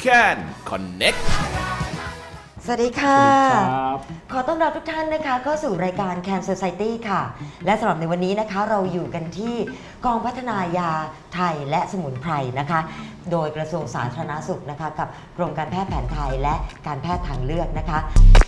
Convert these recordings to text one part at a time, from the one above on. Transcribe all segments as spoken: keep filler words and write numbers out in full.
Can Connect สวัสดีค่ะครับขอต้อนรับทุกท่านนะคะเข้าสู่รายการ Can Society ค่ะ และสำหรับในวันนี้นะคะเราอยู่กันที่กองพัฒนายาไทยและสมุนไพรนะคะ โดยกระทรวงสาธารณสุขนะคะกับกรมการแพทย์แผนไทยและการแพทย์ทางเลือกนะคะ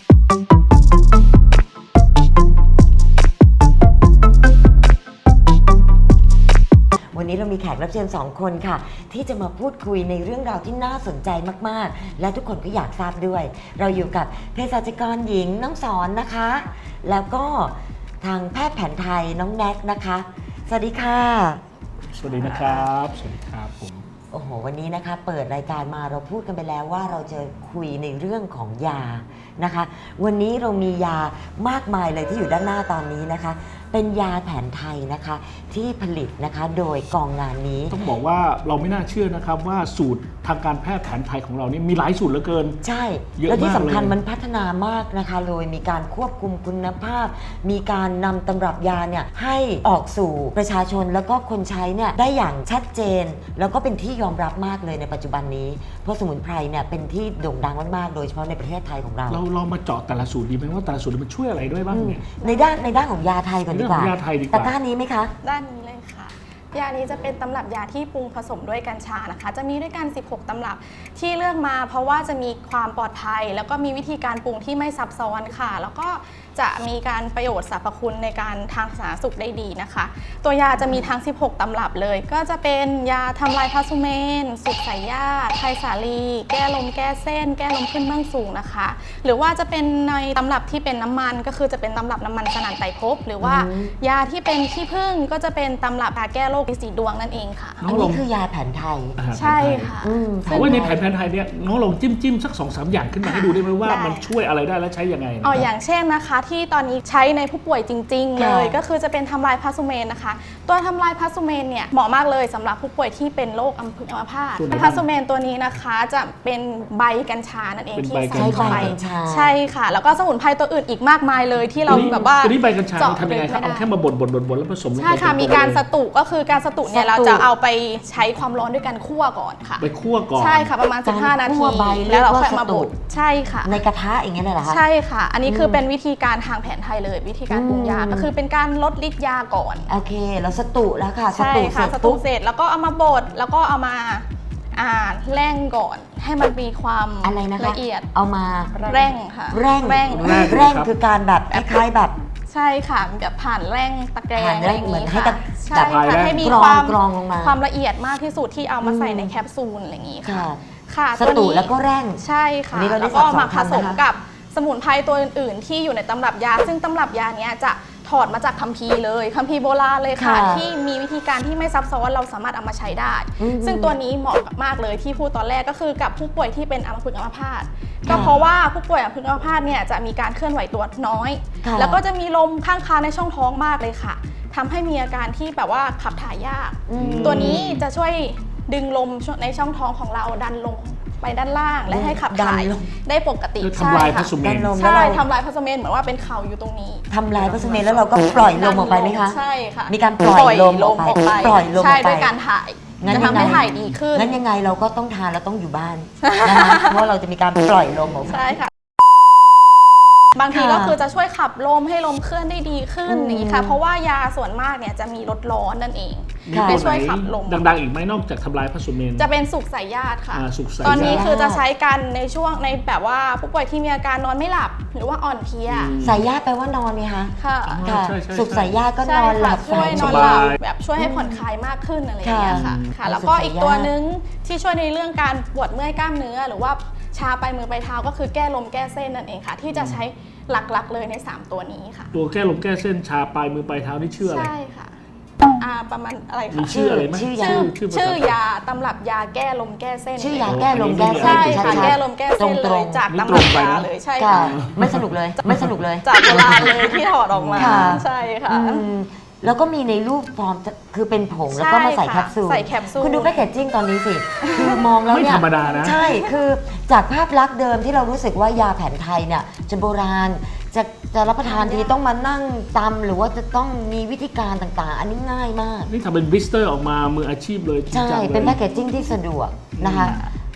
วันนี้เรามีแขกรับเชิญสองคนค่ะที่จะมาพูดคุยในเรื่องราวที่น่าสนใจมากๆและทุกคนก็อยากทราบด้วยเราอยู่กับเภสัชกรหญิงน้องสอนนะคะแล้วก็ทางแพทย์แผนไทยน้องแน็กนะคะสวัสดีค่ะสวัสดีนะครับสวัสดีครับผมโอ้โหวันนี้นะคะเปิดรายการมาเราพูดกันไปแล้วว่าเราจะคุยในเรื่องของยานะคะวันนี้เรามียามากมายเลยที่อยู่ด้านหน้าตอนนี้นะคะเป็นยาแผนไทยนะคะที่ผลิตนะคะโดยกองงานนี้ต้องบอกว่าเราไม่น่าเชื่อนะครับว่าสูตรทางการแพทย์แผนไทยของเรานี่มีหลายสูตรเหลือเกินใช่เยอะมากเลยและที่สำคัญมันพัฒนามากนะคะโดยมีการควบคุมคุณภาพ มีการนำตำรับยาเนี่ยให้ออกสู่ประชาชนแล้วก็คนใช้เนี่ยได้อย่างชัดเจน แล้วก็เป็นที่ยอมรับมากเลยในปัจจุบันนี้เพราะสมุนไพรเนี่ยเป็นที่โด่งดังมากๆโดยเฉพาะในประเทศไทยของเราเราลองมาเจาะแต่ละสูตรดีไหมว่าแต่ละสูตรมันช่วยอะไรด้วยบ้างเนี่ยในด้านในด้านของยาไทยก่อนดีกว่าในด้านของยาไทยดีกว่าตะกร้านี้ไหมคะด้านนี้เลยค่ะ ยานี้จะเป็นตำรับยาที่ปรุงผสมด้วยกัญชานะคะ จะมีด้วยกันสิบหกตำรับที่เลือกมาเพราะว่าจะมีความปลอดภัย แล้วก็มีวิธีการปรุงที่ไม่ซับซ้อนค่ะ แล้วก็จะมีการประโยชน์สรรพคุณในการทางสาธารณสุขได้ดีนะคะ ตัวยาจะมีทั้งสิบหกตำรับเลย ก็จะเป็นยาทำลายพาสุเมนสุกใส่ยาไทยสาลีแก้ลมแก้เส้น แก้ลมขึ้นเบื้องสูงนะคะ หรือว่าจะเป็นในตำรับที่เป็นน้ำมันก็คือจะเป็นตำรับน้ำมันสนั่นไตรภพหรือว่าอืมยาที่เป็นขี้ผึ้งก็จะเป็นตำรับยาแก้โรคฤทธิ์สีดวงนั่นเองค่ะน้อัอน งลนี้งคือยาแผนไทยอาหารแผนไทยใช่ค่ะอืมเพราะว่าในแผนแผนไทยเนี่ยน้องลองจิ้มจิ้มสักสองสามอย่างขึ้นมาให้ดูได้ไหมว่าได้มันช่วยอะไรได้และใช้ยังไงนะอ๋อคอรับย่างเช่นนะคะที่ตอนนี้ใช้ในผู้ป่วยจริง ๆ เลยค่ะก็คือจะเป็นทำลายพาสุเมนนะคะ ตัวทำลายพาสุเมนเนี่ยเหมาะมากเลยสำหรับผู้ป่วยที่เป็นโรคอัมพฤกษ์อัมพาตส่วนไหนพาสุเมนตัวนี้นะคะจะเป็นใบกัญชานั่นเองเป็นที่ใบใส่เข้าไปกัญชาใช่ค่ะ แล้วก็สมุนไพรตัวอื่นอีกมากมายเลยที่เราแบบว่าตัวนี้ใบกัญชาเจาะทำยังไงครับไม่ได้เอาแค่มาบดบดบดบดแล้วผสมลงไปใช่ค่ะเป็นมีการสตุก็คือการสตุเนี่ยสตุเราจะเอาไปใช้ความร้อนด้วยการคั่วก่อนค่ะไปคั่วก่อนใช่ค่ะประมาณสิบห้านาการคั่ทีวใบแล้วเราเรียกว่าค่อยมาสตุบดใช่ค่ะในกระทะอย่างเงี้ยเลยเหรอคะใช่ค่ะ อันนี้คือเป็นวิธีการทางแผนไทยเลย วิธีการปรุงยาอืมก็คือเป็นการลดฤทธิ์ยาก่อนโอเคแล้วสตุแล้วค่ะสใช่ตุเสค่ะร็จสตูปุ๊บเสร็จแล้วก็เอามาบดแล้วก็เอามาอ่าแร่งก่อน ให้มันมีความอะไรนะคะละเอียดเอามาแร่งค่ะแร่งแร่งแร่งคือการแบบคล้ายๆแบบใช่ค่ะแบบผ่านแร่งตะแกรงผ่านอะแร่ไรง อย่างเหมือนนี้ให้ค่ะตะใช่แบบค่ะให้มีกรองความกรองลงมาความละเอียดมากที่สุดที่เอามาใส่อืมในแคปซูลอะไรอย่างนี้ค่ะค่ะค่ะสตัวตุนี้แล้วก็แร่งใช่ค่ะอันนี้เราได้แล้วก็มาผสับสสองมคำนะคะกับสมุนไพรตัวอื่นๆ ที่อยู่ในตำรับยา ซึ่งตำรับยาเนี้ยจะถอดมาจากคัมภีร์เลยคัมภีร์โบราณเลยค่ะค่ะที่มีวิธีการที่ไม่ซับซ้อนเราสามารถเอามาใช้ได้อืมซึ่งตัวนี้เหมาะมากเลยที่พูดตอนแรกก็คือกับผู้ป่วยที่เป็นอัมพฤกษ์อัมพาตก็เพราะว่าผู้ป่วยอัมพฤกษ์อัมพาตเนี่ยจะมีการเคลื่อนไหวตัวน้อยค่ะแล้วก็จะมีลมข้างคาในช่องท้องมากเลยค่ะทำให้มีอาการที่แบบว่าขับถ่ายยากอืมตัวนี้จะช่วยดึงลมในช่องท้องของเราดันลงไปด้านล่างและให้ขับถ่ายดันลงได้ปกติคือทำลายใช่พาค่ะสุเมดันนลมใช่แล้วเราทำลายพาสเมนเหมือนว่าเป็นเข่าอยู่ตรงนี้ทำลายพาสเมนแล้วเราก็ปล่อยลมออกไปไหมคะใช่ค่ะมีการปล่อยลมออกไปปล่อยลมออกไปใช่ด้วยการถ่ายงั้นจะทำให้ถ่ายดีขึ้นงั้นยังไงเราก็ต้องทานแล้วต้องอยู่บ้านนะคะเพราะเราจะมีการปล่อยลมออกมาใช่ค่ะ บางทีค่ะก็คือจะช่วยขับลมให้ลมเคลื่อนได้ดีขึ้นอืมอย่างนี้ค่ะ เพราะว่ายาส่วนมากเนี่ยจะมีลดร้อนนั่นเองมีค่ะไปตัวช่วยไหนขับลมดังๆอีกไหมนอกจากทำลายพาสุเมนจะเป็นสุกใส่ญาติค่ะอ่าสุกใส่ตอนนี้ญาติคือจะใช้กันในช่วงในแบบว่าผู้ป่วยที่มีอาการนอนไม่หลับ หรือว่าอ่อนเพลียอืมสายญาติแปลว่านอนไหมคะค่ะค่ะใช่ใช่ใช่สุขสายญาติก็นใช่อนหลัค่ะบช่วยนฝัอนสหลับาบยแบบช่วยให้ผ่อนคลายมากขึ้นอะไรอย่างเงี้ยค่ะค่ะค่ะอืมแล้วก็สุขสายอีกตัวญาตินึงที่ช่วยในเรื่องการปวดเมื่อยกล้ามเนื้อ หรือว่าชาไปมือไปเท้าก็คือแก้ลมแก้เส้นนั่นเองค่ะ ที่จะใช้หลักๆเลยในสามตัวนี้ค่ะตัวแก้ลมแก้เส้นชาปลายมือปลายเท้านี่ชื่ออะไรใช่ค่ะอ่าประมาณอะไรมีคะชื่ออะไรไหมชื่อยาชื่อชื่อภาษาชื่อยาตำรับยาแก้ลมแก้เส้นชื่อยาแก้ลมแก้เส้นใช่ค่ะชัดๆแก้ลมแก้เส้นตเลรยงๆจากนี่ตำตรรับงไปยานะเลยใช่ค่ะค่ะไม่สนุกเลยไม่สนุกเลยจากโบราณเลยที่ถอดออกมาค่ะใช่ค่ะอืมแล้วก็มีในรูปฟอร์มคือเป็นผงแล้วก็มาใส่ใช่แคค่ะปซูลใส่แคปซูลคุณดูแพคเกจจิ้งตอนนี้สิ คือมองแล้วไม่เนี่ยธรรมดานะใช่คือจากภาพลักษณ์เดิมที่เรารู้สึกว่ายาแผนไทยเนี่ยจะโบราณจะจะรับประทานทีต้องมานั่งตำหรือว่าจะต้องมีวิธีการต่างๆ อันนี้ง่ายมากนี่ทำเป็นบลิสเตอร์ออกมามืออาชีพเลยจริงใช่จังเลยเป็นแพคเกจจิ้งที่สะดวกนะคะ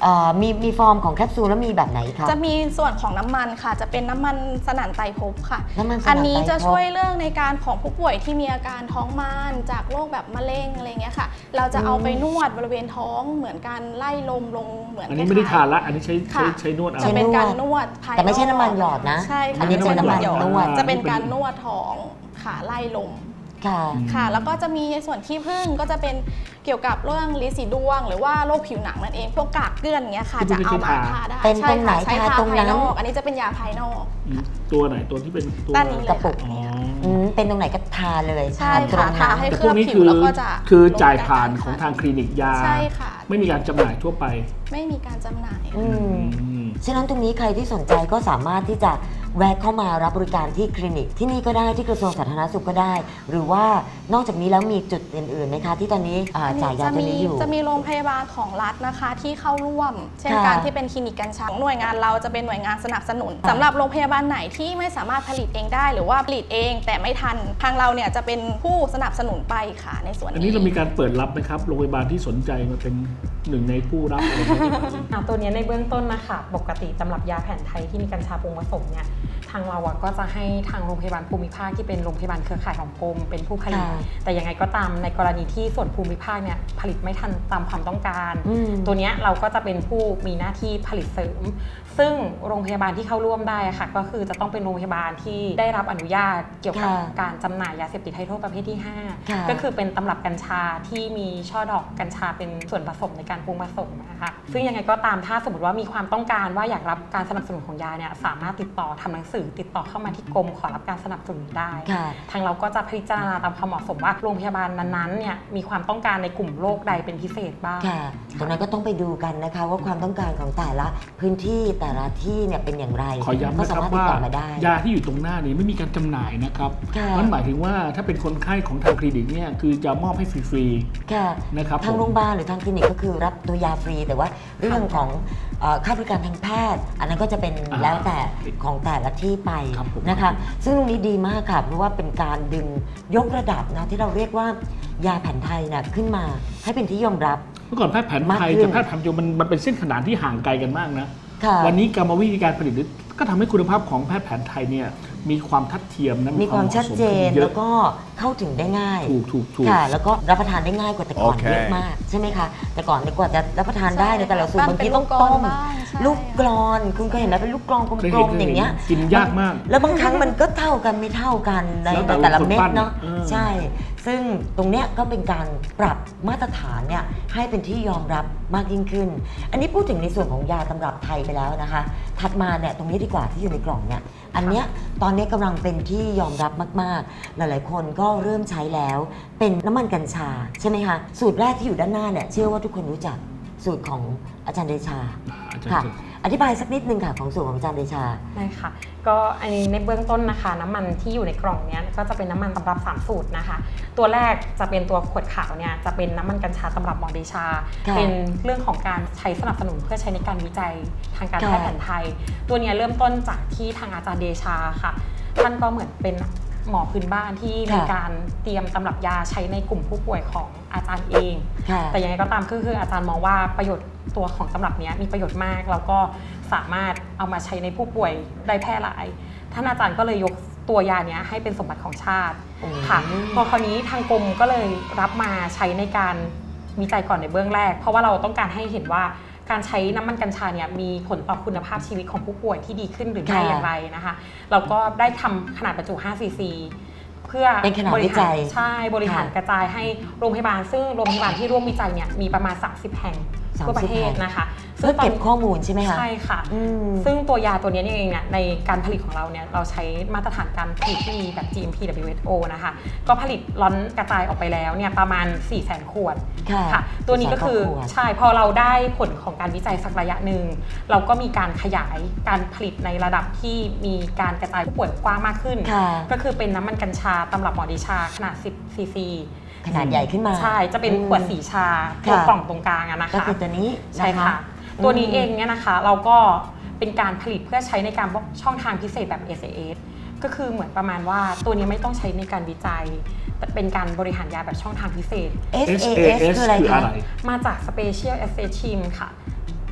เอ่อมีมีฟอร์มของแคปซูลแล้วมีแบบไหนคะจะมีส่วนของน้ำมันค่ะ จะเป็นน้ำมันสนั่นไตรภพค่ะน้ำมันสนั่นไตรภพอันนี้จะช่วยเรื่องในการของผู้ป่วยที่มีอาการท้องมานจากโรคแบบมะเร็งอะไรเงี้ยค่ะ เราจะเอาไปนวดบริเวณท้องเหมือนการไล่ลมลงเหมือนอันนี้ไม่ได้ทานละอันนี้ใช้ใช้ค่ะใช้นวดเอาจะเป็นการนวดภายนอกแต่ไม่ใช่น้ำมันหยอดนะใช่ค่ะอันนี้เป็นน้ำมันนวดจะเป็นการนวดท้องค่ะไล่ลมค่ะค่ะ แล้วก็จะมีในส่วนขี้ผึ้งก็จะเป็นเกี่ยวกับเรื่องลิสีดวง หรือว่าโรคผิวหนังนั่นเองพวกกากเกลื่อนเงี้ยค่ะ จะเอามาทาได้เป็นใช่ตรงไหนค่ะใช้ทาทาตรงนั้ภาน ยนอก อันนี้จะเป็นยาภายนอกอืมตัวไหนตัวที่เป็นตัวด้านนี้เลยกระปุค่ะกอ๋ออืมเป็นตรงไหนก็ทาเลยใช่ทาตรงค่ะนั้นทาให้แต่พวกนี้เคลือบผิคืวอแล้วก็จะคือลดจ่ายการผ่านทานของทางคลินิกยาใช่ค่ะไม่มีการจำหน่ายทั่วไปไม่มีการจำหน่ายอืมอืมฉะนั้นตรงนี้ใครที่สนใจก็สามารถที่จะแวะเข้ามารับบริการที่คลินิกที่นี่ก็ได้ที่กระทรวงสาธารณสุขก็ได้ หรือว่านอกจากนี้แล้วมีจุดอื่นๆไหมคะที่ตอนนี้อ่าจ่ายยาตัวนี้อยู่จะมีโรงพยาบาลของรัฐนะคะที่เข้าร่วม เช่นค่ะการที่เป็นคลินิกกัญชาหน่วยงานเราจะเป็นหน่วยงานสนับสนุนสำหรับโรงพยาบาลไหนที่ไม่สามารถผลิตเองได้ หรือว่าผลิตเองแต่ไม่ทันทางเราเนี่ยจะเป็นผู้สนับสนุนไปค่ะในส่วนอันนี้นี้เรามีการเปิดรับไหมครับโรงพยาบาลที่สนใจมาเป็นหนึ่งในผู้รับอะไรอย่างเงี้ยอ่าตัวเนี้ยในเบื้องต้นนะคะปกติตำรับยาแผนไทยที่มีกัญชาปรุงผสมเนี่ยทางเราอะก็จะให้ทางโรงพยาบาลภูมิภาคที่เป็นโรงพยาบาลเครือข่ายของกรมเป็นผู้ผลิตค่ะแต่ยังไงก็ตามในกรณีที่ส่วนภูมิภาคเนี่ยผลิตไม่ทันตามความต้องการอืมตัวเนี้ยเราก็จะเป็นผู้มีหน้าที่ผลิตเสริม ซึ่งโรงพยาบาลที่เข้าร่วมได้อะค่ะก็คือจะต้องเป็นโรงพยาบาลที่ได้รับอนุญาตเกี่ยวกับค่ะการจำหน่ายยาเสพติดให้โทษประเภทที่ห้าค่ะก็คือเป็นตำรับกัญชาที่มีช่อดอกกัญชาเป็นส่วนผสมในการปรุงผสมนะคะซึ่งยังไงก็ตามถ้าสมมติว่ามีความต้องการว่าอยากรับการสนับสนุนของยาเนี่ยสามารถติดต่อทำหนังสือติดต่อเข้ามาที่กรมขอรับการสนับสนุนได้ค่ะทางเราก็จะพิจารณาตามความเหมาะสมว่าโรงพยาบาลนั้นๆเนี่ยมีความต้องการในกลุ่มโรคใดเป็นพิเศษบ้างค่ะตรงนั้นก็ต้องไปดูกันนะคะว่าความต้องการของแต่ละพื้นที่แต่ละที่เนี่ยเป็นอย่างไรขอย้ำก็นะสาครับมารถติดว่าต่อมาได้ยาที่อยู่ตรงหน้านี้ไม่มีการจำหน่ายนะครับค่ะนั่นหมายถึงว่าถ้าเป็นคนไข้ของทางคลินิกเนี่ยคือจะมอบให้ฟรีค่ะนะครับทางผมโรงพยาบาลหรือทางคลินิกก็คือรับตัวยาฟรี แต่ว่าเรื่องของเอ่อค่าบริการทางแพทย์ อันนั้นก็จะเป็นอ่าแล้วแต่ของแต่ละที่ไปครับผมนะคะ ซึ่งตรงนี้ดีมากค่ะเพราะว่าเป็นการดึงยกระดับนะที่เราเรียกว่ายาแผนไทยนะขึ้นมาให้เป็นที่ยอมรับเมื่อก่อนแพทย์แผนไทยมากขึ้นกับแพทย์แผนปัจจุบันมันมันเป็นเส้นขนานที่ห่างไกลกันมากนะค่ะวันนี้กรรมวิธีการผลิตก็ทำให้คุณภาพของแพทย์แผนไทยเนี่ยมีความทัดเทียมนะมีความชัดเจนเยแล้อะวก็เข้าถึงได้ง่ายถูกถูกถูกค่ะ แล้วก็รับประทานได้ง่ายกว่าแต่ก่อนโอเคเยอะมากใช่ไหมคะ แต่ก่อนเนี่ยกว่าจะรับประทานได้ในยแต่ละสูตรใช่บางทีเป็นต้องลูกกลอนต้มบ้างใช่ลูกกรอนคุณเคยเห็นไหมเป็นลูกกรอนกเคยลเห็นมๆอย่างเงี้ยเคยเห็นกินยากมากแล้วบางครั้งมันก็เท่ากันไม่เท่ากันในแล้วแต่ในแต่ละคนเม็ดปั้นเนาะเออใช่ ซึ่งตรงเนี้ยก็เป็นการปรับมาตรฐานเนี่ยให้เป็นที่ยอมรับมากยิ่งขึ้น อันนี้พูดถึงในส่วนของยาตำรับไทยไปแล้วนะคะ ถัดมาเนี่ยตรงนี้ดีกว่าที่อยู่ในกล่องเนี่ยอันเนี้ยตอนนี้กำลังเป็นที่ยอมรับมากๆ หลายๆ คนก็เริ่มใช้แล้วเป็นน้ำมันกัญชาใช่ไหมคะสูตรแรกที่อยู่ด้านหน้าเนี่ยเชื่อว่าทุกคนรู้จักสูตรของอาจารย์เดชาอาจารย์ค่ะจะอธิบายสักนิดนึงค่ะของสูตรของอาจารย์เดชาได้ค่ะก็อันนี้ในเบื้องต้นนะคะ น้ำมันที่อยู่ในกล่องเนี้ยก็จะเป็นน้ำมันตำรับสามสูตรนะคะ ตัวแรกจะเป็นตัวขวดขาวเนี่ยจะเป็นน้ำมันกัญชาตำรับหมอเดชาค่ะเป็นเรื่องของการใช้สนับสนุนเพื่อใช้ในการวิจัยทางการค่ะแพทย์แผนไทย ตัวเนี้ยเริ่มต้นจากที่ทางอาจารย์เดชาค่ะท่านก็เหมือนเป็นหมอพื้นบ้านที่มีการเตรียมตำรับยาใช้ในกลุ่มผู้ป่วยของอาจารย์เองค่ะแต่ยังไงก็ตามก็คืออาจารย์มองว่าประโยชน์ตัวของตำรับเนี้ยมีประโยชน์มากแล้วก็สามารถเอามาใช้ในผู้ป่วยได้แพร่หลายท่านอาจารย์ก็เลยยกตัวยาเนี้ยให้เป็นสมบัติของชาติอืมค่ะพอคราวนี้ทางกรมก็เลยรับมาใช้ในการวิจัยก่อนในเบื้องแรก เพราะว่าเราต้องการให้เห็นว่าการใช้น้ำมันกัญชาเนี่ยมีผลต่อคุณภาพชีวิตของผู้ป่วยที่ดีขึ้นหรือไม่ค่ะอย่างไรนะคะเราก็ได้ทำขนาดบรรจุห้าซีซีเพื่อเป็นขนาดบริวิจัหารยใช่บริหารค่ะกระจายให้โรงพยาบาลซึ่งโรงพยาบาลที่ร่วมวิจัยเนี่ยมีประมาณสามสิบแห่งทั่วประเทศนะคะเพื่อเก็บข้อมูลใช่ไหมคะใช่ค่ะอืมซึ่งตัวยาตัวนี้เองเนี่ยในการผลิตของเราเนี่ยเราใช้มาตรฐานการผลิตที่มีแบบ จี เอ็ม พี ดับเบิลยู เอช โอ นะคะก็ผลิตล็อตกระจายออกไปแล้วเนี่ยประมาณ สี่แสน ขวดค่ะตัวนี้ก็คือสี่แสนกว่าขวดใช่พอเราได้ผลของการวิจัยสักระยะหนึ่งเราก็มีการขยายการผลิตในระดับที่มีการกระจายผู้ป่วยกว้างมากขึ้นค่ะก็คือเป็นน้ำมันกัญชาตำรับหมอดิชาขนาดสิบซีซีขนาดใหญ่ขึ้นมาใช่จะเป็นขวดสีชาค่ะตัวกล่องตรงกลางอะนะคะก็คือตัวนี้ใช่นค่ะ ตัวนี้เองเนี่ยนะคะเราก็เป็นการผลิตเพื่อใช้ในการช่องทางพิเศษแบบ เอส เอ เอส ก็คือเหมือนประมาณว่าตัวนี้ไม่ต้องใช้ในการวิจัย แต่เป็นการบริหารยาแบบช่องทางพิเศษเอส เอ เอสเอสคืออะไรคือคะอะไรมาจาก Special Access Team ค่ะ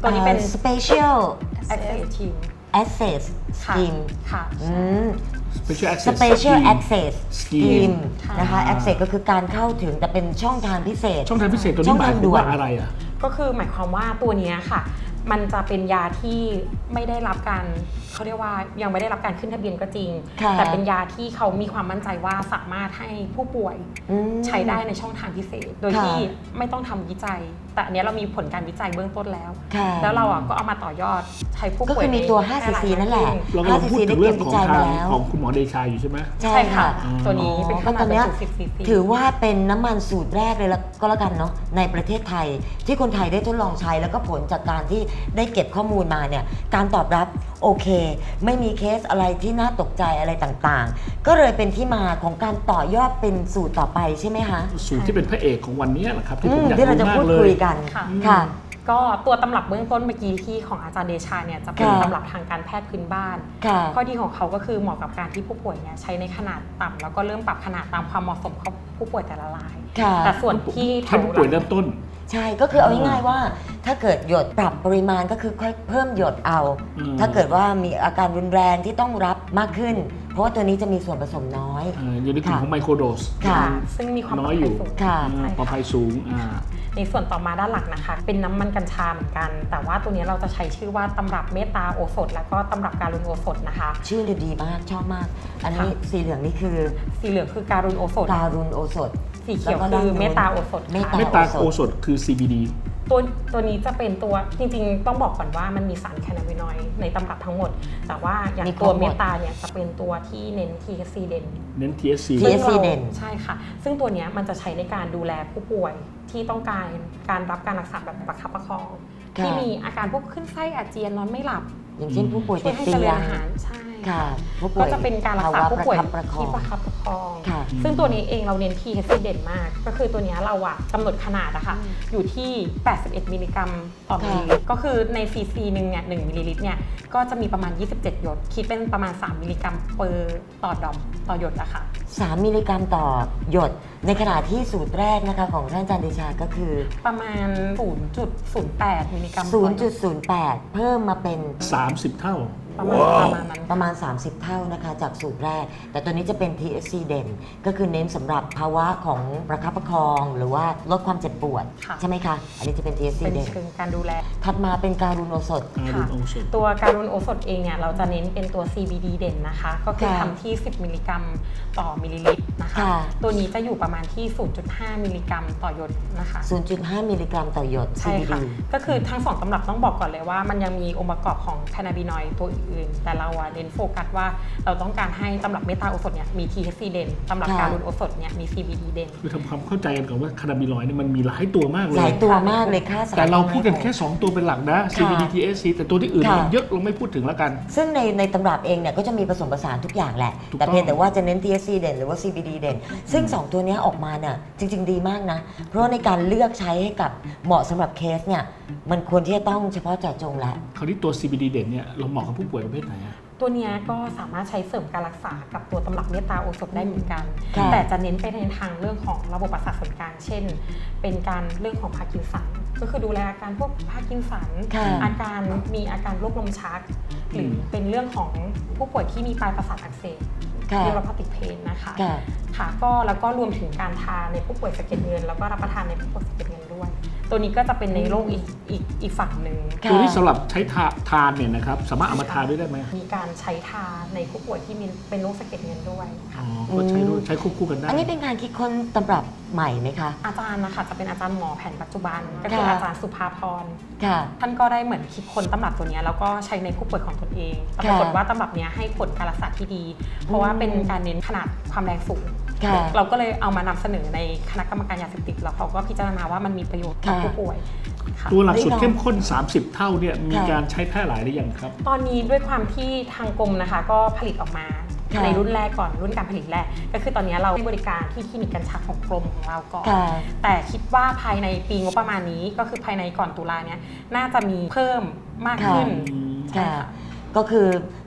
ตัวนี้เป็น special access team access ค่ะ scheme ค่ะอืม Special Access special Scheme access Scheme scheme ค่ะนะคะ access ก็คือการเข้าถึงแต่เป็นช่องทางพิเศษช่องทางพิเศษตัวช่นี้องหมายทางความด่วนว่าอะไรอ่ะก็คือหมายความว่าตัวเนี้ยค่ะ มันจะเป็นยาที่ไม่ได้รับการเขาเรียกว่ายังไม่ได้รับการขึ้นทะเบียนก็จริงค่ะแต่เป็นยาที่เขามีความมั่นใจว่าสามารถให้ผู้ป่วยอืมใช้ได้ในช่องทางพิเศษ โดยค่ะที่ไม่ต้องทำวิจัย แต่อันเนี้ยเรามีผลการวิจัยเบื้องต้นแล้วค่ะแล้วเราอ่ะก็เอามาต่อยอดใช้ผู้ก็ป่วยคือมีตัวในห้าแพร่ซีหลายซี นั่นแหละขึ้เรากำลังพูดถึงเรื่องของห้าทางซีซีได้เก็บวิจัยมาแล้วของคุณหมอเดชาอยู่ใช่ไหมใช่ใช่ค่ะค่ะ ตัวนี้เป็นขก็นาตดอนเนี้ยสิบซีซีถือว่าเป็นน้ำมันสูตรแรกเลยละก็แล้วกันเนาะในประเทศไทย ที่คนไทยได้ทดลองใช้แล้วก็ผลจากการที่ได้เก็บข้อมูลมาเนี่ยการตอบรับโอเค ไม่มีเคสอะไรที่น่าตกใจอะไรต่างๆ ก็เลยเป็นที่มาของการต่อยอดเป็นสูตรต่อไปใช่ไหมคะสูตรที่เป็นพระเอกของวันนี้แหละครับที่อืผมมอยากที่เรารู้จะมาพูกดเลคุยยกันค่ะค่ะก็ตัวตำรับเบื้องต้นเมื่อกี้ที่ของอาจารย์เดชาเนี่ยจะเป็นค่ะตำรับทางการแพทย์พื้นบ้านค่ะข้อดีของเขาก็คือเหมาะกับการที่ผู้ป่วยเนี่ยใช้ในขนาดต่ำแล้วก็เริ่มปรับขนาดตามความเหมาะสมของผู้ป่วยแต่ละรายค่ะแต่ส่วนที่แถให้วผู้ป่วยเริ่มต้นใช่ ก็คือเอาง่ายๆว่า ถ้าเกิดหยดปรับปริมาณก็คือค่อยเพิ่มหยดเอาอืมถ้าเกิดว่ามีอาการรุนแรงที่ต้องรับมากขึ้น เพราะว่าตัวนี้จะมีส่วนผสมน้อยเอ่ออยู่ในกลุ่มค่ะของไมโครโดสค่ะซึ่งมีความปลน้ออดยภัอย ยู่สูงค่ะอ่าใช่ปลอดภัยสูงอ่าในส่วนต่อมาด้านหลังนะคะ เป็นน้ำมันกัญชาเหมือนกัน แต่ว่าตัวนี้เราจะใช้ชื่อว่าตำรับเมตตาโอสถ แล้วก็ตำรับการุณโอสถนะคะชื่อดีมากชอบมาก อันนี้ค่ะสีเหลืองนี่คือสีเหลืองคือการุณโอสถการุณโอสถสีเขียวแล้วก็คือด้านโน้นเมตตาโอสถเมตค่ะตาเมตตาโอสถคือ ซี บี ดีตัวตัวนี้จะเป็นตัวจริงๆ ต้องบอกก่อนว่ามันมีสารแคนาบินอยด์ในตำรับทั้งหมด แต่ว่าอย่างมีครบตัวหมดเมตตาเนี่ยจะเป็นตัวที่เน้น ที เอช ซี เด่นเน้น ที เอส ซีที เอส ซี เด่นใช่ค่ะ ซึ่งตัวเนี้ยมันจะใช้ในการดูแลผู้ป่วยที่ต้องการการรับการรักษาแบบประคับประคองค่ะที่มีอาการพวกขึ้นไส้อาเจียนนอนไม่หลับอย่างเช่นผู้ป่วยช่วติยดให้เตีเจริยญงอาหารใช่ค่ะผู้ป่ก็วยจะเป็นการรักษาภาวะผู้ป่วยประคับประคองที่ประคับประคองค่ะซึ่งตัวนี้เองเราเน้น ที เอช ซี เด่นมาก ก็คือตัวเนี้ยเราอะกำหนดขนาดนะคะอยู่ที่ แปดสิบเอ็ด มิลลิกรัมต่อมิลลิลิตรก็คือในซีซีหนึ่งเนี่ยหนึ่งมิลลิลิตรเนี่ยก็จะมีประมาณ ยี่สิบเจ็ด หยด คิดเป็นประมาณ สาม มิลลิกรัมเปอร์ต่อดอมต่อหยดอะค่ะสาม มิลลิกรัมต่อหยด ในขณะที่สูตรแรกนะคะของท่านอาจารย์เดชาก็คือประมาณ ศูนย์จุดศูนย์แปด มิลลิกรัมต่อหยดศูนย์จุดศูนย์แปด เพิ่มมาเป็นสามสิบ เท่าประมาณประมาณนั้นประมาณ สามสิบ เท่านะคะจากสูตรแรก แต่ตัวนี้จะเป็น ที เอส ซี เด่น ก็คือเน้นสำหรับภาวะของประคับประคอง หรือว่าลดความเจ็บปวดค่ะใช่ไหมคะ อันนี้จะเป็น ที เอส ซีเป็นเด่นเชิงการดูแลถัดมาเป็นการุณโอสถการุณโอสถตัวการุณโอสถเองเนี่ยเราจะเน้นเป็นตัว ซี บี ดี เด่นนะคะ ก็คือค่ะทำที่ สิบ มิลลิกรัมต่อมิลลิลิตรนะคะค่ะตัวนี้จะอยู่ประมาณที่ ศูนย์จุดห้า มิลลิกรัมต่อหยดนะคะศูนย์จุดห้า มิลลิกรัมต่อหยดใช่ซี บีค่ะดีก็คือทั้งสองตำรับต้องบอกก่อนเลยว่ามันยังมีองค์ประกอบของแคนาบินอยด์ตัวอื่นๆ แต่เราอะเน้นโฟกัสว่าเราต้องการให้ตำรับเมตาโอสถเนี่ยมี ที เอช ซี เด่นตำรับค่ะการุณโอสถเนี่ยมี ซี บี ดี เด่นคือทำความเข้าใจกันก่อนว่าคานาบิลอยด์เนี่ยมันมีหลายตัวมากเลหลาย ยตัวมากเลยค่ะสารแต่เราพูดกันแค่ สอง ตัวเป็นหลักนะ ซี บี ดีค่ะที เอส ซี แต่ตัวที่อื่นค่ะมันเยอะเราไม่พูดถึงแล้วกันซึ่งในในตำรับเองเนี่ยก็จะมีผสมผสานทุกอย่างแหละถูกแต่เพียงต้องแต่ว่าจะเน้น ที เอส ซี เด่นหรือว่า ซี บี ดี เด่น ซึ่ง สอง ตัวเนี้ยออกมาเนี่ยจริง ๆ ดีมากนะ เพราะในการเลือกใช้ให้กับเหมาะสำหรับเคสเนี่ยมันควรที่จะต้องเฉพาะเจาะจงแหละคราวนี้ตัว ซี บี ดี เด่นเนี่ยเราเหมาะกับผู้ป่วยประเภทไหนอะตัวเนี้ยก็สามารถใช้เสริมการรักษากับตัวตำรับเมตตาโอสถได้เหมือนกันค่ะแต่จะเน้นไปในทางเรื่องของระบบประสาทส่วนกลาง เช่น เป็นการเรื่องของพาร์กินสัน ก็คือดูแลอาการพวกพาร์กินสันค่ะอาการมีอาการโรคลมชัก หรือเป็นเรื่องของผู้ป่วยที่มีปลายประสาทอักเสบค่ะเรียกว่าพาติกเพนนะคะค่ะค่ะก็แล้วก็รวมถึงการทานในผู้ป่วยสะเก็ดเงิน แล้วก็รับประทานในผู้ป่วยสะเก็ดเงินด้วย ตัวนี้ก็จะเป็นในโรคอีกอีกอีกฝั่งหนึ่งค่ะตัวที่สำหรับใช้ทาทานเนี่ยนะครับสามารถเอามาทานด้วยได้ไหมมีการใช้ทาในผู้ป่วยที่มีเป็นโรคสะเก็ดเงินด้วยอ๋ค่ะอก็ใช้ด้วยใช้ควบคู่กันได้อันนี้เป็นการคิดค้นตำรับใหม่ไหมคะอาจารย์นะคะจะเป็นอาจารย์หมอแผนปัจจุบัน ก็คือค่ะอาจารย์สุภาพรค่ะท่านก็ได้เหมือนคิดค้นตำรับตัวเนี้ยแล้วก็ใช้ในผู้ป่วยของตนเองแต่ปรากฏว่าตำรับเนี้ยให้ผลการรักษาที่ดี เพราะว่าเป็นการเน้นขนาดความแรงสูงค่ะเราก็เลยเอามานำเสนอในคณะกรรมการยาเสพติดแล้วเขาก็พิจารณาว่ามันมีประโยชน์กับค่ะผู้ป่วยค่ะตัวหลักสุดได้ลองเข้มข้น สามสิบ เท่าเนี่ยมีค่ะการใช้แพร่หลายหรือยังครับตอนนี้ด้วยความที่ทางกรมนะคะก็ผลิตออกมาค่ะในรุ่นแรกก่อนรุ่นการผลิตแรกก็คือตอนนี้เราให้บริการที่คลินิกกัญชาของกรมของเราก่อนค่ะแต่คิดว่าภายในปีงบประมาณนี้ก็คือภายในก่อนตุลาเนี้ยน่าจะมีเพิ่มมากขึ้นค่ะใช่ค่ะค่ะก็คือ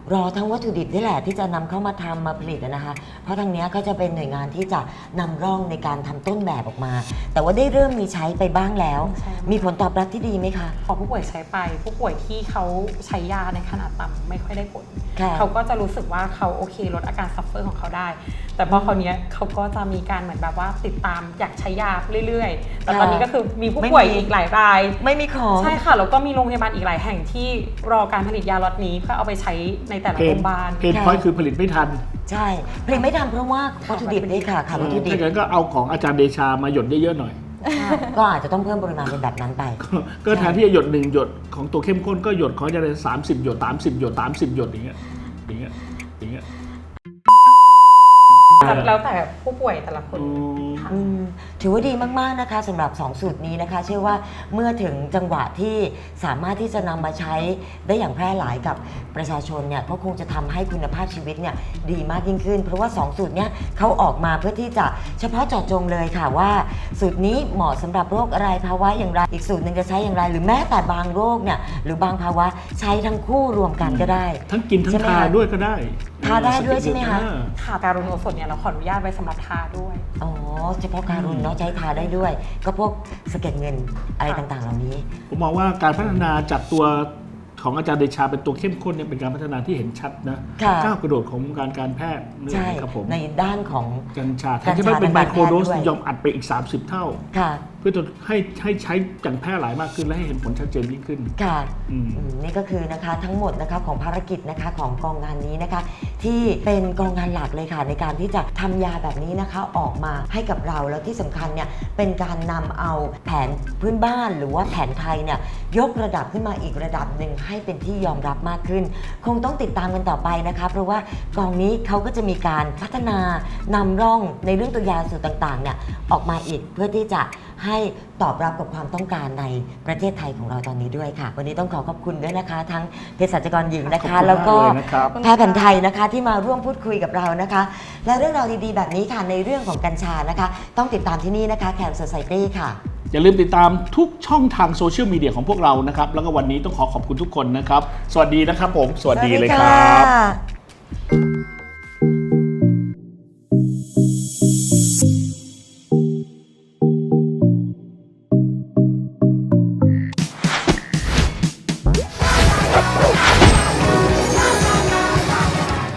รอทั้งวัตถุดิบนี่แหละที่จะนำเข้ามาทำมาผลิตนะคะเพราะทางเนี้ยก็จะเป็นหน่วยงานที่จะนำร่องในการทำต้นแบบออกมา แต่ว่าได้เริ่มมีใช้ไปบ้างแล้วใช่มีผลตอบรับที่ดีไหมคะพอผู้ป่วยใช้ไปผู้ป่วยที่เขาใช้ยาในขนาดต่ำไม่ค่อยได้ผลค่ะเขาก็จะรู้สึกว่าเขาโอเคลดอาการซัฟเฟอร์ของเขาได้ แต่พอคราวเนี้ยเขาก็จะมีการเหมือนแบบว่าติดตามอยากใช้ยาเรื่อยๆ แต่ตอนนี้ก็คือมีผู้ป่วยอีกหลายรายไม่มีของใช่ค่ะแล้วก็มีโรงพยาบาลอีกหลายแห่งที่รอการผลิตยาล็อตนี้เพื่อเอาไปใช้ในแต่ละเพโรนงพยาบาลเพนพอยต์คือผลิตไม่ทันใช่ผลิตไม่ทันเพราะว่าวัตถุดิบด้วยค่ะค่ะวัตถุดิบถ้าอย่างนั้นก็เอาของอาจารย์เดชามาหยดเยอะๆหน่อยก็อาจจะต้องเพิ่มปริมาณเป็นแบบนั้นไปก็แทนที่จะหยดหนึ่งหยดของตัวเข้มข้นก็หยดของอาจารย์สามสิบหยดสามสิบหยดสามสิบหยดอย่างเงี้ยอย่างเงี้ยอย่างเงี้ยแล้วแต่ผู้ป่วยแต่ละคนอืมค่ะอืมถือว่าดีมากๆนะคะสำหรับสองสูตรนี้นะคะ เชื่อว่าเมื่อถึงจังหวะที่สามารถที่จะนำมาใช้ได้อย่างแพร่หลายกับประชาชนเนี่ยก็คงจะทำให้คุณภาพชีวิตเนี่ยดีมากยิ่งขึ้น เพราะว่าสองสูตรเนี้ยเขาออกมาเพื่อที่จะเฉพาะเจาะจงเลยค่ะว่า สูตรนี้เหมาะสำหรับโรคอะไรภาวะอย่างไรอีกสูตรหนึ่งจะใช้อย่างไร หรือแม้แต่บางโรคเนี่ยหรือบางภาวะใช้ทั้งคู่รวมกันก็ได้ทั้งกินทั้งใช่ไหมทาคะด้วยก็ได้ทาได้ด้วยใช่ไหมคะอ่าค่ะการุณโอสถเนี่ยเราขออนุญาตไว้สำหรับทาด้วยอ๋อเฉพาะการุณเนาะใช้ทาได้ด้วย ก็พวกสะเก็ดเงินอะไรต่างๆ เหล่านี้ผมมองว่าการพัฒนาจากตัวของอาจารย์เดชาเป็นตัวเข้มข้นเนี่ยเป็นการพัฒนาที่เห็นชัดนะค่ะก้าวกระโดดของวงการการแพทย์นี่ใช่ครับผมในด้านของกัญชาแทกัญนชาที่จะเป็นไมโครโดสทางการแพทย์ด้วยยอมอัดไปอีก สามสิบ เท่าค่ะเพื่อจะให้ให้ใช้อย่างแพร่หลายมากขึ้นและให้เห็นผลชัดเจนยิ่งขึ้นค่ะอืมอืมนี่ก็คือนะคะทั้งหมดนะคะของภารกิจนะคะของกองงานนี้นะคะ ที่เป็นกองงานหลักเลยค่ะในการที่จะทำยาแบบนี้นะคะออกมาให้กับเราแล้วที่สำคัญเนี่ยเป็นการนำเอาแผนพื้นบ้านหรือว่าแผนไทยเนี่ยยกระดับขึ้นมาอีกระดับหนึ่งให้เป็นที่ยอมรับมากขึ้น คงต้องติดตามกันต่อไปนะคะเพราะว่ากองนี้เขาก็จะมีการพัฒนานำร่องในเรื่องตัวยาสูตรต่างๆเนี่ยออกมาอีกเพื่อที่จะให้ตอบรับกับความต้องการในประเทศไทยของเราตอนนี้ด้วยค่ะ วันนี้ต้องขอขอบคุณด้วยนะคะ ทั้งเภสัชกรหญิงนะขอบคะคุณแล้วก็มากเลยนะครับแพทย์แผนไทยนะคะที่มาร่วมพูดคุยกับเรานะคะ และเรื่องราวดีๆแบบนี้ค่ะในเรื่องของกัญชานะคะ ต้องติดตามที่นี่นะคะแคมป์โซไซตี้ค่ะอย่าลืมติดตามทุกช่องทางโซเชียลมีเดียของพวกเรานะครับ แล้วก็วันนี้ต้องขอขอบคุณทุกคนนะครับ สวัสดีนะครับผม สวัสดีเลยครับสวัสดีค่ะ